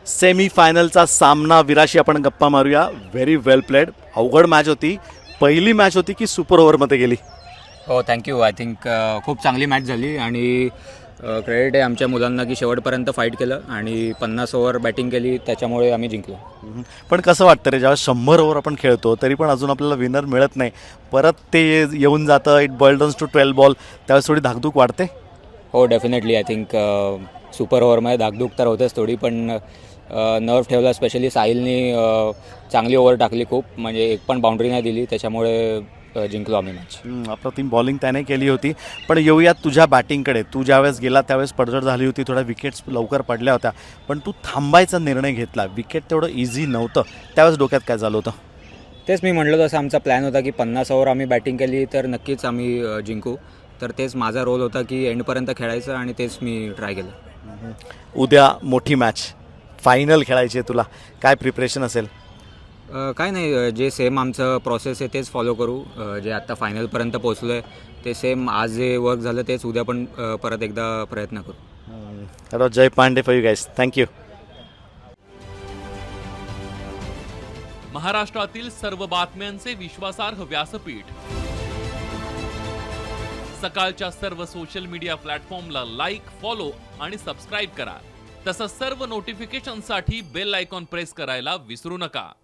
Semi फायनलचा सामना विराशी आपण गप्पा मारूया. Very well played. अवघड मॅच होती. पहिली मॅच होती की सुपर ओव्हरमध्ये गेली? हो थँक्यू. आय थिंक खूप चांगली मॅच झाली आणि क्रेडिट आहे आमच्या मुलांना की शेवटपर्यंत फाईट केलं आणि 50 ओव्हर बॅटिंग केली, त्याच्यामुळे आम्ही जिंकलो. पण कसं वाटतं रे, जेव्हा 100 ओव्हर आपण खेळतो तरी पण अजून आपल्याला विनर मिळत नाही, परत ते येऊन जातं, इट बॉल्डन्स टू 12 बॉल, त्यावेळेस थोडी धाकधूक वाटते? हो डेफिनेटली. आय थिंक सुपर ओव्हरमध्ये धाकधूक तर होतेच थोडी, पण नर्व ठेवला. स्पेशली साहिलनी चांगली ओव्हर टाकली खूप, म्हणजे एक पण बाउंड्री नाही दिली, त्याच्यामुळे जिंकलो आम्ही मॅच. अप्रतिम बॉलिंग त्याने केली होती. पण येऊयात तुझ्या बॅटिंगकडे. तू ज्यावेळेस गेला त्यावेळेस पडझड झाली होती, थोड्या विकेट्स लवकर पडल्या होत्या, पण तू थांबायचा निर्णय घेतला. विकेट तेवढं इझी नव्हतं, त्यावेळेस डोक्यात काय झालं होतं? तेच मी म्हटलं, तसं आमचा प्लॅन होता की 50 ओव्हर आम्ही बॅटिंग केली तर नक्कीच आम्ही जिंकू. तर तेच माझा रोल होता की एंडपर्यंत खेळायचं आणि तेच मी ट्राय केलं. उद्या मोठी मॅच, फायनल खेळायची आहे तुला, काय प्रिपरेशन असेल? काय नाही, जे सेम आमचं प्रोसेस आहे तेच फॉलो करू. जे आत्ता फायनलपर्यंत पोहोचलो आहे ते सेम आज जे वर्क झालं तेच उद्या पण परत एकदा प्रयत्न करू. Jay Pandey for you guys. Thank you. महाराष्ट्रातील सर्व बातम्यांचे विश्वासार्ह व्यासपीठ. सकाळच्या सर्व सोशल मीडिया प्लॅटफॉर्मला लाईक, फॉलो आणि सबस्क्राईब करा. तसंच सर्व नोटिफिकेशनसाठी बेल आयकॉन प्रेस करायला विसरू नका.